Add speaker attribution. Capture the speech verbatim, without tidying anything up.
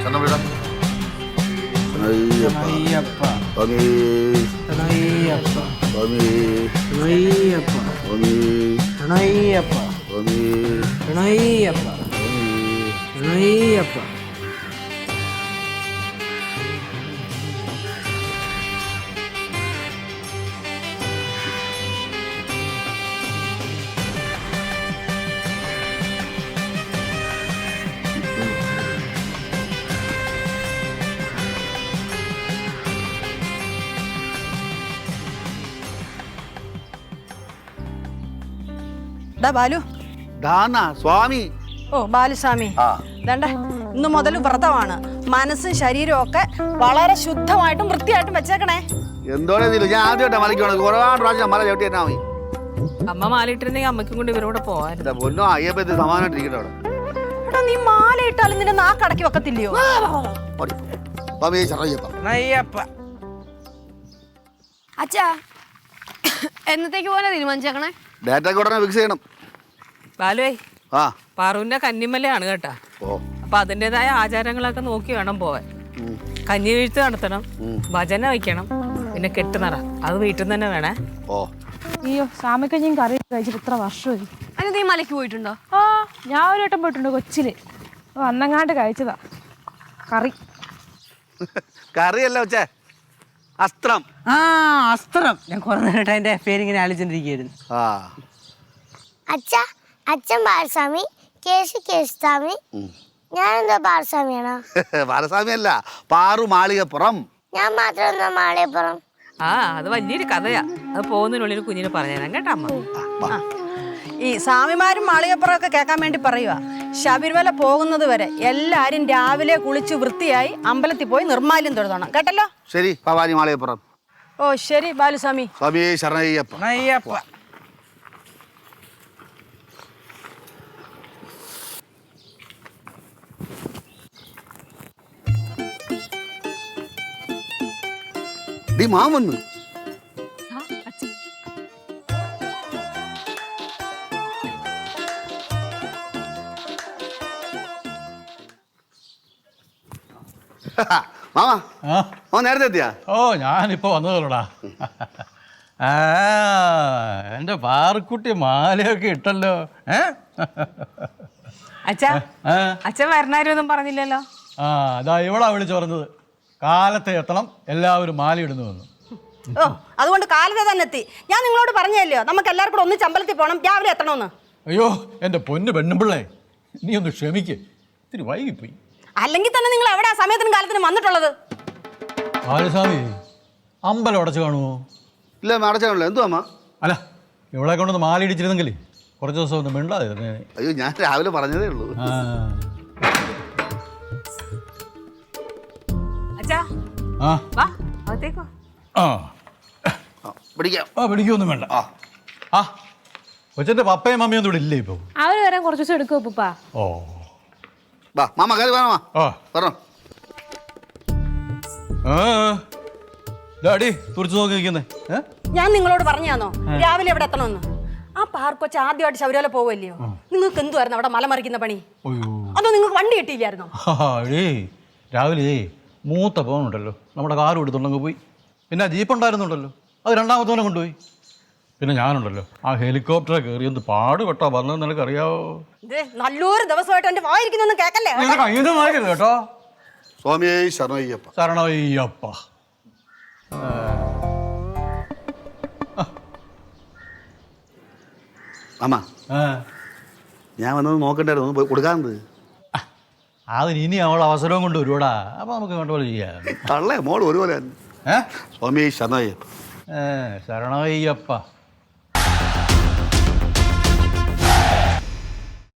Speaker 1: ബാലു
Speaker 2: സ്വാമി
Speaker 1: ഓ ബാലുസ്വാമി ദണ്ട ഇന്ന് മുതൽ വ്രതമാണ്. മനസ്സും ശരീരവും ഒക്കെ വളരെ ശുദ്ധമായിട്ടും വൃത്തിയായിട്ടും വെച്ചേക്കണേ.
Speaker 2: എന്തോടെ ഞാൻ ആദ്യമായിട്ടാ മലയ്ക്ക് ഒരുപാട് പ്രാവശ്യം മല ചവിട്ടി തന്നെ
Speaker 3: അമ്മ മാലയിട്ടിരുന്നെങ്കിൽ അമ്മയ്ക്കും കൊണ്ട് ഇവരോട് പോവാൻ
Speaker 2: പൊന്നോ അയ്യപ്പത്തി സമാനായിട്ടിരിക്കട്ടെ അവിടെ.
Speaker 1: എടാ നീ മാല ഇട്ടാലും നിന്റെ നാക്കടക്കി വെക്കത്തില്ലയോ?
Speaker 4: അച്ഛാ എന്നത്തേക്ക് പോലെ തീരുമാനിച്ചേക്കണേ?
Speaker 2: ഡേറ്റ ഉടനെ ഫിക്സ് ചെയ്യണം.
Speaker 3: ബാലുവേ
Speaker 2: ആ
Speaker 3: പാറുവിന്റെ കന്നിമലയാണ് കേട്ടാ. അപ്പൊ അതിൻ്റെതായ ആചാരങ്ങളൊക്കെ നോക്കി വേണം പോവാൻ. കഞ്ഞി വീഴ്ച നടത്തണം, ഭജന വയ്ക്കണം, പിന്നെ കെട്ടുനറ അത് വീട്ടിൽ നിന്ന് തന്നെ വേണേ.
Speaker 2: ഓ
Speaker 5: അയ്യോ സാമിക്കഞ്ഞും കറി കഴിച്ചിട്ട് ഇത്ര വർഷമായി.
Speaker 4: അതിന് നീ മലയ്ക്ക് പോയിട്ടുണ്ടോ?
Speaker 5: ആ ഞാൻ ഒരു വട്ടം പോയിട്ടുണ്ട് കൊച്ചില്. അന്നങ്ങാണ്ട് കഴിച്ചതാ കറി.
Speaker 2: കറിയല്ല വെച്ചേ അസ്ത്രം.
Speaker 6: ആ അസ്ത്രം. ഞാൻ കുറെ നേരമായിട്ട് അതിന്റെ പേരിങ്ങനെ ആലോചിച്ചിരിക്കുന്നു.
Speaker 2: ആ
Speaker 7: അച്ഛാ അച്ഛൻ ബാലസ്വാമി, കേശു കേശുസ്വാമി, ഞാനെന്താ ബാലസ്വാമിയാണോ?
Speaker 2: ബാലസ്വാമി അല്ല, പാറു മാളികപ്പുറം.
Speaker 7: ഞാൻ മാത്രം എന്താ മാളികപ്പുറം?
Speaker 3: ആ അത് വലിയൊരു കഥയാ. അത് പോകുന്നതിനുള്ളിൽ കുഞ്ഞിന് പറഞ്ഞുതരാം കേട്ടോ അമ്മ.
Speaker 1: ഈ സ്വാമിമാരും മാളികപ്പുറം ഒക്കെ കേൾക്കാൻ വേണ്ടി പറയുക. ശബരിമല പോകുന്നത് വരെ എല്ലാരും രാവിലെ കുളിച്ച് വൃത്തിയായി അമ്പലത്തിൽ പോയി നിർമ്മാല്യം തൊഴുതണം കേട്ടല്ലോ.
Speaker 2: ശരി ഭവാനി മാളികപ്പുറം.
Speaker 1: ഓ ശരി ബാലുസ്വാമി.
Speaker 2: സ്വാമി ശരണയ്യപ്പ.
Speaker 6: അയ്യപ്പ
Speaker 2: ഡി മാമന്ന് മാമാ ഓ നേരത്തെ എത്തിയാ?
Speaker 8: ഓ ഞാനിപ്പോ വന്നതല്ലോടാ. ആ എന്റെ പാറക്കുട്ടി മാലയൊക്കെ ഇട്ടല്ലോ. ഏ
Speaker 3: അച്ഛാ അച്ഛൻ വരണാരൊന്നും പറഞ്ഞില്ലല്ലോ.
Speaker 8: ആ അതാ ഇവളാ വിളിച്ചു പറഞ്ഞത്, കാലത്തെ എത്തണം, എല്ലാവരും മാല ഇടുന്നു വന്നു.
Speaker 1: ഓ അതുകൊണ്ട് കാലത്തെ തന്നെ എത്തി. ഞാൻ നിങ്ങളോട് പറഞ്ഞല്ലോ നമുക്ക് എല്ലാവർക്കും കൂടെ ഒന്നിച്ച് അമ്പലത്തിൽ പോകണം, രാവിലെ എത്തണമെന്ന്.
Speaker 8: അയ്യോ എൻ്റെ പൊന്ന് പെണ്ണുമ്പിള്ളേ, നീ ഒന്ന് ക്ഷമിക്ക്, ഇത്തിരി വൈകിപ്പോയി.
Speaker 1: അല്ലെങ്കിൽ തന്നെ നിങ്ങൾ എവിടെ സമയത്തിനും കാലത്തിനും വന്നിട്ടുള്ളത്?
Speaker 8: ബാലസ്വാമി അമ്പലം അടച്ചു കാണുമോ?
Speaker 2: ഇല്ല അടച്ചാണല്ലോ. എന്തു അമ്മ?
Speaker 8: അല്ല ഇവളെ കൊണ്ടൊന്ന് മാല ഇടിച്ചിരുന്നെങ്കിൽ കുറച്ച് ദിവസം ഒന്ന് മിണ്ടാതെ.
Speaker 2: അയ്യോ ഞാൻ രാവിലെ പറഞ്ഞതേ ഉള്ളൂ.
Speaker 3: അച്ഛാ
Speaker 8: ആ
Speaker 3: വാ അകത്തേക്കോ.
Speaker 8: ആ
Speaker 2: പിടിക്കാം.
Speaker 8: ആ പിടിക്കൊന്നും വേണ്ട. ആ ആ കൊച്ചൻ്റെ പപ്പയും മമ്മിയും ഒന്നും ഇവിടെ ഇല്ലേ ഇപ്പോൾ?
Speaker 5: അവര് വരാൻ കുറച്ച് ദിവസം എടുക്കും ഉപ്പ.
Speaker 8: ഓ
Speaker 2: വാ മാമ കയറി വാ.
Speaker 8: ആ
Speaker 2: പറഞ്ഞോ.
Speaker 8: ആ ഡാഡി തുറച്ചു നോക്കി നിൽക്കുന്നേ.
Speaker 1: ഞാൻ നിങ്ങളോട് പറഞ്ഞാന്നോ രാവിലെ എവിടെ എത്തണമെന്ന്? ആ പാർക്കൊച്ച ആദ്യമായിട്ട് ശബരിമല പോവല്ലയോ, നിങ്ങൾക്ക് എന്തുവായിരുന്നു അവിടെ മലമറിക്കുന്ന പണി? അതോ നിങ്ങൾക്ക് വണ്ടി കിട്ടിയില്ലായിരുന്നോ?
Speaker 8: ഏ രാവിലെ മൂത്ത പോകുന്നുണ്ടല്ലോ, നമ്മുടെ കാർ എടുത്തുണ്ടെങ്കിൽ പോയി. പിന്നെ ജീപ്പ് ഉണ്ടായിരുന്നുണ്ടല്ലോ, അത് രണ്ടാമത്തോനെ കൊണ്ടുപോയി. പിന്നെ ഞാനുണ്ടല്ലോ ആ ഹെലികോപ്റ്ററെ കയറി എന്ത് പാടുപെട്ടോ വന്നത് നിനക്കറിയാവോ?
Speaker 1: നല്ലൊരു ദിവസമായിട്ട് എന്റെ വായിരിക്കുന്നൊന്നും കേക്കല്ലേ.
Speaker 8: കയ്യൊന്നും വായിക്കരുത് കേട്ടോ.
Speaker 2: സ്വാമിയേ ശരണയ്യപ്പ.
Speaker 8: ശരണയ്യപ്പ.
Speaker 2: അമ്മ ഞാൻ വന്നത് നോക്കണ്ടായിരുന്നു, പോയി കൊടുക്കാറുണ്ട്.
Speaker 8: അതിന് ഇനി അവൾ അവസരവും കൊണ്ട് വരുവാടാ, അപ്പൊ നമുക്ക് വേണ്ട പോലെ ചെയ്യാം.
Speaker 2: തള്ളേ മോൾ ഒരുപോലെ.
Speaker 8: ഏ
Speaker 2: സ്വാമിയേ ശരണയ്യപ്പ.
Speaker 8: ശരണയ്യപ്പ.